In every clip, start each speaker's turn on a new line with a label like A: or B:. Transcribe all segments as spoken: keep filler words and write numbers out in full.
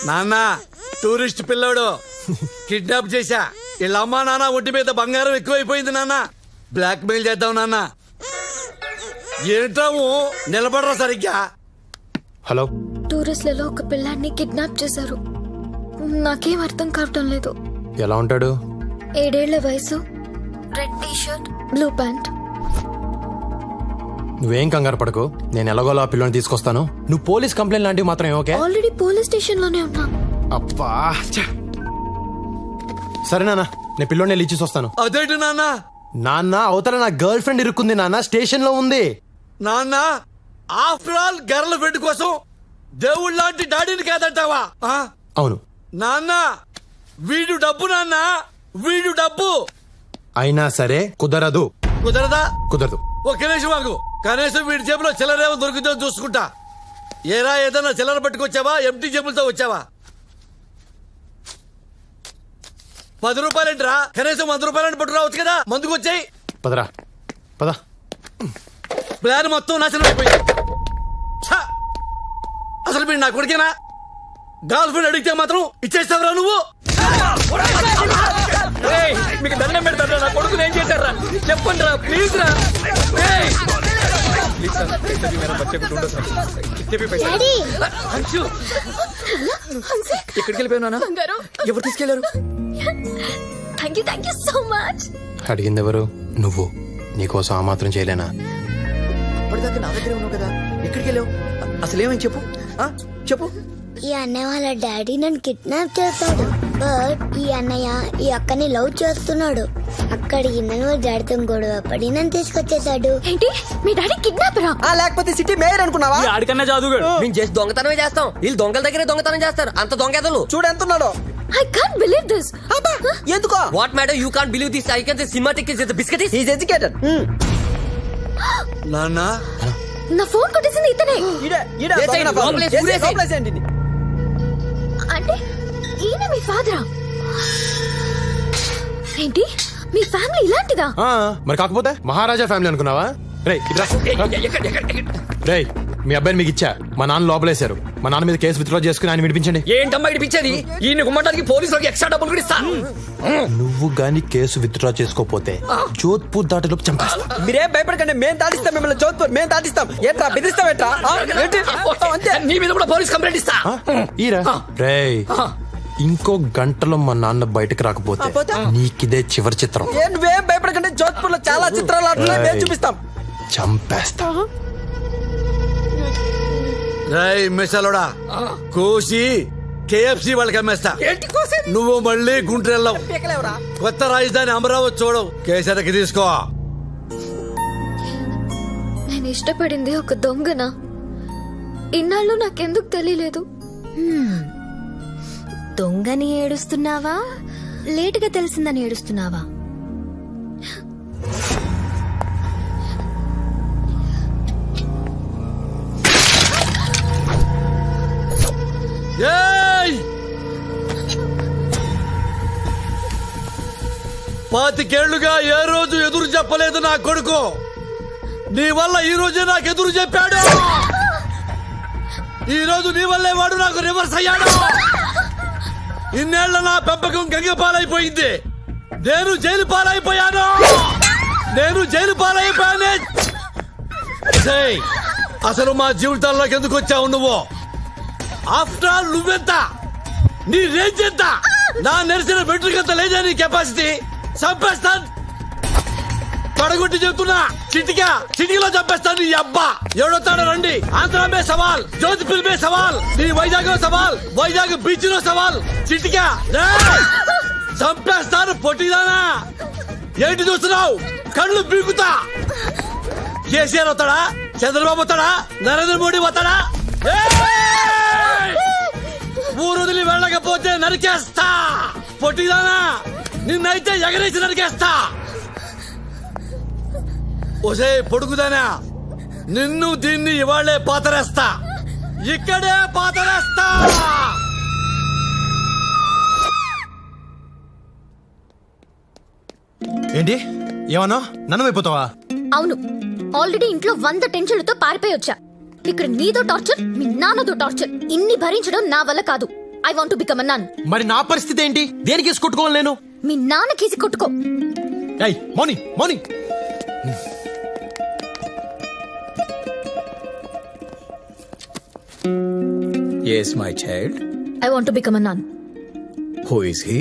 A: నాన్న టూరిస్ట్ పిల్లోడు కిడ్నాప్ చేశా. వీళ్ళ అమ్మా నాన్న ఒంటి మీద బంగారం ఎక్కువైపోయింది నాన్న. బ్లాక్ మెయిల్ చేద్దాం నాన్న. ఏంటాము నిలబడరా సరిగ్గా.
B: హలో,
C: టూరిస్ట్లలో ఒక పిల్లాన్ని కిడ్నాప్ చేశారు. నాకేం అర్థం కావటం లేదు.
B: ఎలా ఉంటాడు?
C: ఏడేళ్ల వయసు, red T shirt, blue pant.
B: నువ్వేం కంగారు పడకు, నేను ఎలాగోలా ఆ పిల్లని తీసుకొస్తాను. నువ్వు పోలీస్ కంప్లైంట్ లాంటివి మాత్రం ఓకే?
C: ఆల్రెడీ పోలీస్ స్టేషన్ లోనే ఉన్నా.
B: అబ్బా ఛ. సరే నాన్న, నేను పిల్లోని వెళ్ళి ఇచ్చేసి వస్తాను.
A: అదేంటి నాన్న?
B: నాన్న అవతల నా గర్ల్ ఫ్రెండ్ ఇరుక్కుంది నాన్న, స్టేషన్ లో ఉంది.
A: నాన్న ఆఫ్టర్ ఆల్ గర్ల్ ఫ్రెండ్ కోసం దేవుళ్ళ లాంటి డాడీని కాదంటావా? ఆ?
B: అవును
A: నాన్న వీడు డబ్బు నాన్న, వీడు డబ్బు.
B: అయినా సరే కుదరదు.
A: కుదరదా?
B: కుదరదు.
A: ఒక్క నిమిషం మాకు, కనీసం వీడి జేబులో చిల్లరేమో దొరికితే చూసుకుంటా. ఏరా ఏదన్నా చిల్లర పట్టుకొచ్చావా? ఎంటీ జేబులతో వచ్చావా? పది రూపాయలేంటిరా? కనీసం వంద రూపాయలని పట్టు రావచ్చు కదా. మందుకు వచ్చాయి.
B: పదరా పద.
A: ప్లాన్ మొత్తం నాశనం అయిపోయింది. ఛ! అసలు మీరు నా కొడుకేనా? గర్ల్ ఫ్రెండ్ అడిగితే మాత్రం ఇచ్చేస్తావురా నువ్వు?
D: మీకు దండం పెడతారా? నా కొడుకుని ఏం చేశారా చెప్పండి రా, ప్లీజ్ రా. ఎక్కడికి వెళ్ళిపోయినా? ఎవరు తీసుకెళ్లారు?
C: Thank you thank you so much.
B: అడిగింది ఎవరు? నువ్వు. నీకోసం ఆ మాత్రం చేయలేనా?
D: అప్పటిదాకా నా దగ్గరే ఉన్నావు కదా, ఎక్కడికి వెళ్ళావు? అసలు ఏమని చెప్పు, చెప్పు.
E: ఈ అన్నయ్య వాళ్ళ డాడీ నన్ను కిడ్నాప్ చేస్తాడు. బట్ ఈ అన్నయ్య ఈ అక్కని లవ్ చేస్తున్నాడు. అక్కడికి నన్ను వాళ్ళ డాడీతో గొడవ పడి నన్ను తీసుకొచ్చేసాడు.
C: ఏంటి మీ డాడీ కిడ్నాపరా?
D: లేకపోతే సిటీ మేయర్ అనుకున్నావా?
F: ఆడికన్నా జాదుగాడు. మేము చేసి దొంగతనమే చేస్తాం, వీళ్ళు దొంగల దగ్గరే దొంగతనం చేస్తారు. అంత దొంగలు
D: చూడు ఎంత ఉన్నాడో.
C: I can't believe this.
D: ఎందుకో?
F: What madam you can't believe this? I can say cinematic is the biscuit is
D: educated.
A: నాన్న
C: నా ఫోన్ కొట్టేసింది ఇతనే. అంటే ఈయన మీ ఫాదరా? ఏంటి మీ ఫ్యామిలీ ఇలాంటిదా?
B: ఆ, మరి కాకపోతే మహారాజా ఫ్యామిలీ అనుకున్నావా? రేయ్ ఇట్రా. రేయ్ మీ అబ్బాయిని మీకు ఇచ్చా, మా నాన్న లోపలేశారు. మా నాన్న మీద కేసు విత్డ్రా చేసుకుని ఆయన విడిపించండి.
F: ఏంటమ్మా ఇడిపించేది? ఈయన గుమ్మటానికి పోలీసులకు ఎక్స్ట్రా డబ్బులు కూడా ఇస్తా.
B: నువ్వు గాని కేసు విత్డ్రా చేసుకోపోతే జోధ్పూర్ దాటిలోపు చంపేస్తా.
D: మీరేం భయపడకండి, మేము దాటిస్తాం మిమ్మల్ని. జోధ్పూర్ మేము దాటిస్తాం. ఏంట్రా బెదిరిస్తాం? ఎట్రా అంతే.
F: నీ మీద కూడా పోలీస్ కంప్లైంట్ ఇస్తా.
B: ఈరా. రేయ్ ఇంకో గంటలో మా నాన్న బయటకు రాకపోతే నీకిదే చివరి చిత్రం.
D: నువ్వేం భయపడకండి, జోధ్పూర్ లో చాలా చిత్రాలు ఆడుతున్నాయి, మేము చూపిస్తాం.
B: చంపేస్తా.
A: రేయ్ మిసలోడా, కోసి కేఎఫ్సి వాళ్ళకి అమ్మేస్తా. నువ్వు మళ్ళీ గుంటూరు వెళ్ళావు. కొత్త రాజధాని అమరావతి చూడవు. కేసరికి తీసుకో.
C: నేను ఇష్టపడింది ఒక దొంగన. ఇన్నాళ్ళు నాకెందుకు తెలియలేదు.
E: దొంగని ఏడుస్తున్నావా, లేటుగా తెలిసిందని ఏడుస్తున్నావా?
A: ఏయ్! పాతికేళ్లుగా ఏ రోజు ఎదురు చెప్పలేదు నా కొడుకు. నీ వల్ల ఈ రోజే నాకు ఎదురు చెప్పాడు. ఈ రోజు నీ వల్లే వాడు నాకు రివర్స్ అయ్యాడు. ఇన్నేళ్ల నా పెంపకం గంగ పాలైపోయింది. నేను జైలు పాలైపోయాను. నేను జైలు పాలైపోయానే. అసలు మా జీవితాల్లోకి ఎందుకు వచ్చావు నువ్వు? ఆఫ్టర్ ఆల్ నువ్వెంత, నీ రేంజ్ ఎంత? నా నెరిసిన బెట్రికంత లేదా నీ కెపాసిటీ? చంపేస్తాను, పడగొట్టి చెప్తున్నా. చిటికా చిటికలో చంపేస్తాను నీ అబ్బా. ఎవడొస్తాడో రండి. ఆంధ్ర మే సవాల్, జోధ్పూర్ మే సవాల్, నీ వైజాగ్ లో సవాల్, వైజాగ్ బీచ్ లో సవాల్. చిటికా చంపేస్తాను పొట్టిదానా. ఏంటి చూస్తున్నావు? కళ్ళు పీకుతా. కేసీఆర్ వస్తాడా? చంద్రబాబు వస్తాడా? నరేంద్ర మోడీ వస్తాడా? ఊరు వదిలి వెళ్ళకపోతే నరికేస్తా పొట్టిదానా. నిన్నైతే ఎగరేసి నరికేస్తా. ఒసే పొడుగుదానా, నిన్ను దీన్ని ఇవాళ్లే పాతరేస్తా. ఇక్కడే పాతరేస్తా.
B: ఏంటి ఏమన్నా నన్ను అయిపోతావా?
C: అవును, ఆల్రెడీ ఇంట్లో వంద టెన్షన్లతో పారిపోయి వచ్చా. ఇక్కడ నీదో టార్చర్, మీ నాన్నదో టార్చర్. ఇన్ని భరించడం నా వల్ల కాదు. I want to become a nun.
B: మరి నా పరిస్థితి ఏంటి? దేనికి కేసు కొట్టుకోవాలి నేను?
C: మీ నాన్న కేసి కొట్టుకో.
B: ఏయ్ Mouni Mouni
D: Yes, my child.
C: I want to become a nun.
D: Who is he?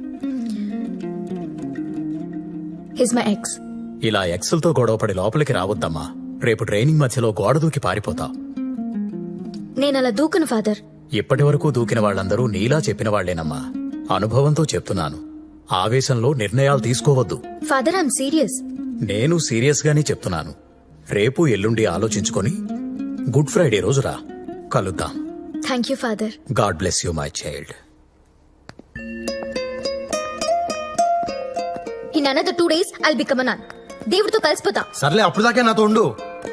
C: He's my ex.
D: ఇలా ఎక్సెల్తో గొడవపడి లోపలికి రావద్దమ్మా. రేపు ట్రైనింగ్ మధ్యలో గోడ దూకి పారిపోతావు.
C: నేను అలా దూకను ఫాదర్.
D: ఇప్పటి వరకు దూకిన వాళ్ళందరూ నీలా చెప్పిన వాళ్లేనమ్మా. అనుభవంతో చెప్తున్నాను. ఆవేశంలో నిర్ణయాలు తీసుకోవద్దు.
C: Father I'm serious.
D: నేను సీరియస్ గానే చెప్తున్నాను. రేపు ఎల్లుండి ఆలోచించుకొని గుడ్ ఫ్రైడే రోజు రా, కలుద్దాం.
C: Thank you father.
D: God bless you my child.
C: In another two days I'll become a nun. దేవుడితో కలిసిపోతా.
B: సర్లే, అప్పుడు దాకా నాతో ఉండు.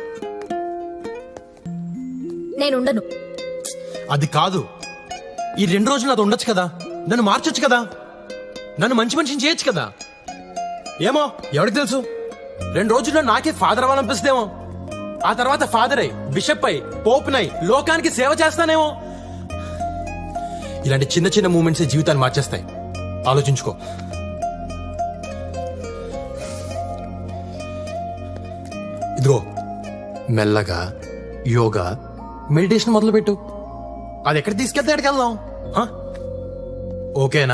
C: నేను ఉండను.
B: అది కాదు, ఈ రెండు రోజులు నాతో ఉండొచ్చు కదా, నన్ను మార్చొచ్చు కదా, నన్ను మంచి మనిషిని చేయొచ్చు కదా. ఏమో ఎవరికి తెలుసు, రెండు రోజుల్లో నాకే ఫాదర్ అవ్వాలనిపిస్తేమో. ఆ తర్వాత ఫాదర్ అయి బిషప్ అయి పోపునై లోకానికి సేవ చేస్తానేమో. ఇలాంటి చిన్న చిన్న మూమెంట్స్ జీవితాన్ని మార్చేస్తాయి. ఆలోచించుకో. ఇదిగో మెల్లగా యోగా మెడిటేషన్ మొదలు పెట్టు. అది ఎక్కడ తీసుకెళ్తే ఎక్కడికి వెళ్దాం. హ? ఓకేనా?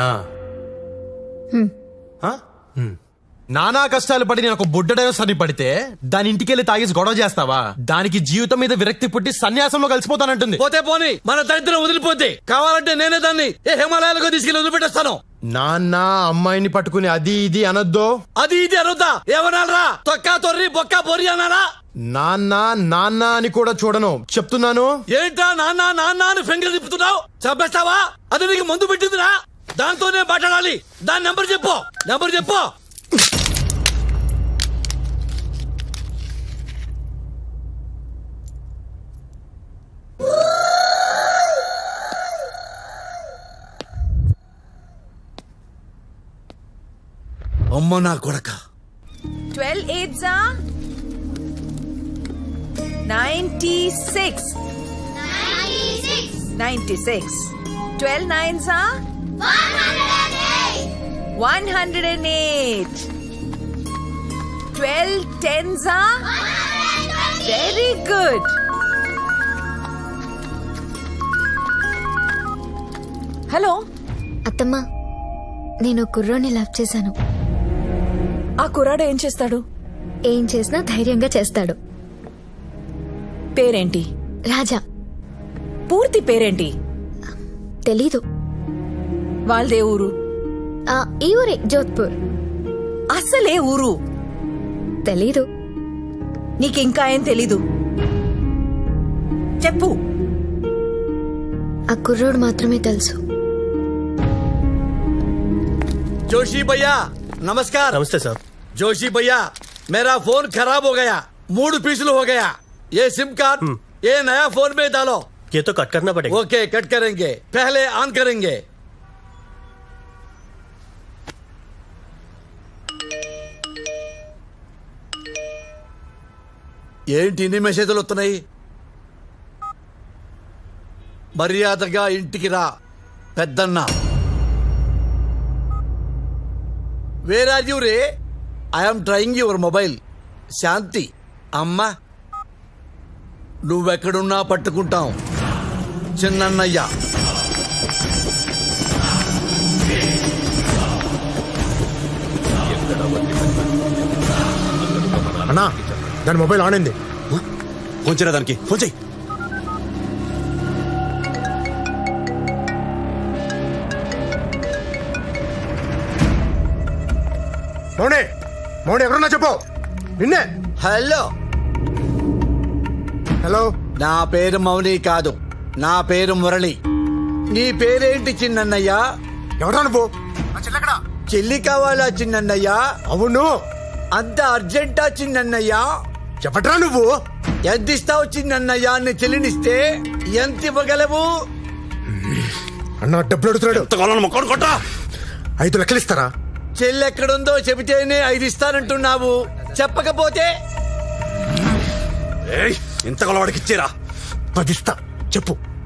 B: హ? హ్మ్. నానా కష్టాలు పడి నేను ఒక బుడ్డడైన సరి పడితే దాని ఇంటికెళ్ళి తాగేసి గొడవ చేస్తావా? దానికి జీవితం మీద విరక్తి పుట్టి సన్యాసంలో కలిసిపోతానంటుంది.
A: పోతే పోని, మన దరిద్రం వదిలిపోతే కావాలంటే నేనే దాన్ని ఏ హిమాలయాలకు తీసుకెళ్లి వదిలిపెట్టేస్తాను.
B: నాన్న అమ్మాయిని పట్టుకుని అది ఇది అనొద్దు.
A: అది ఇది అనొద్దా? ఏమనాలరా? తొక్కా తొర్రి బొక్క బొర్రి అనాలా?
B: నాన్న నాన్న అని కూడా చూడను, చెప్తున్నాను.
A: ఏంటా నాన్న నాన్న అని ఫింగర్ తిప్పుతున్నావు? చంపేస్తావా? అది నీకు మందు పెట్టిందిరా? దాంతోనే మాట్లాడాలి. దాని నెంబర్ చెప్పు, నెంబర్ చెప్పు. అమ్మ నా కొడక.
G: Twelve eights are ninety-six. Ninety-six. Ninety-six. Twelve nines are one hundred eight. One hundred eight. Twelve tens are one hundred twenty. Very good. Hello.
C: అత్తమ్మా, నేను కుర్రోని లవ్ చేశాను.
G: ఆ కుర్రాడు ఏం చేస్తాడు?
C: ఏం చేసినా ధైర్యంగా చేస్తాడు.
G: పేరేంటి?
C: రాజా.
G: పూర్తి పేరేంటి?
C: తెలీదు.
G: వాళ్ళదే ఊరు?
C: ఆ, ఈ ఊరే, జోధ్పూర్.
G: అసలే ఊరు
C: తెలీదు.
G: నీకింకా ఏం తెలీదు? చెప్పు.
C: ఆ కుర్రోడు మాత్రమే తెలుసు.
A: जोशी भैया नमस्कार.
B: నమస్తే సార్.
A: जोशी भैया मेरा फोन खराब हो गया, मूड पिछलू हो गया. ये सिम कार्ड ये नया फोन में डालो.
H: ये तो कट करना पड़ेगा.
A: ओके कट करेंगे, पहले ऑन करेंगे. ఏంటి ఇన్ని మెసేజ్లు వస్తున్నాయి? మర్యాదగా ఇంటికి రా పెద్దన్న. వేర్ ఆర్ యూ రే? I'm trying your mobile. Shanti అమ్మా, నువ్వెక్కడున్నా పట్టుకుంటాం. చిన్నన్నయ్య.
B: అన్నా, దాని మొబైల్ ఆన్ అయింది.
H: ఫోన్ చేయరా దానికి, ఫోన్ చేయి.
B: మౌనే మౌనే ఎక్కడున్నా చెప్పు. నిన్నే.
A: హలో.
B: హలో.
A: నా పేరు మౌని కాదు, నా పేరు మురళి. నీ పేరేంటి చిన్నన్నయ్య?
B: ఎవరా నువ్వు?
A: చెల్లి కావాలా చిన్నన్నయ్య?
B: అవును.
A: అంత అర్జెంటా చిన్నన్నయ్య?
B: చెప్పట్రా నువ్వు.
A: ఎంత ఇస్తావు చిన్నన్నయ్య? నీ చెల్లినిస్తే ఎంత ఇవ్వగలవు?
B: అన్న డబ్బులు అడుగుతున్నాడు. ఐదు లెక్కలు ఇస్తారా?
A: చెల్లి ఎక్కడుందో చెబితేనే ఐదు ఇస్తానంటున్నావు, చెప్పకపోతే?
H: ఇంత కొలవాడికి ఇచ్చేరా.
B: పది ఇస్తా, చెప్పు.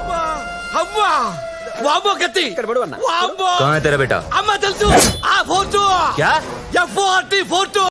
A: అమ్మా వామ్మో కత్తి వామ్మో
I: कहाँ है तेरा बेटा
A: అమ్మ తెలుసు ఆ ఫోర్ టూ
I: क्या
A: ఎఫ్ ఫోర్టీ ఫోర్ టూ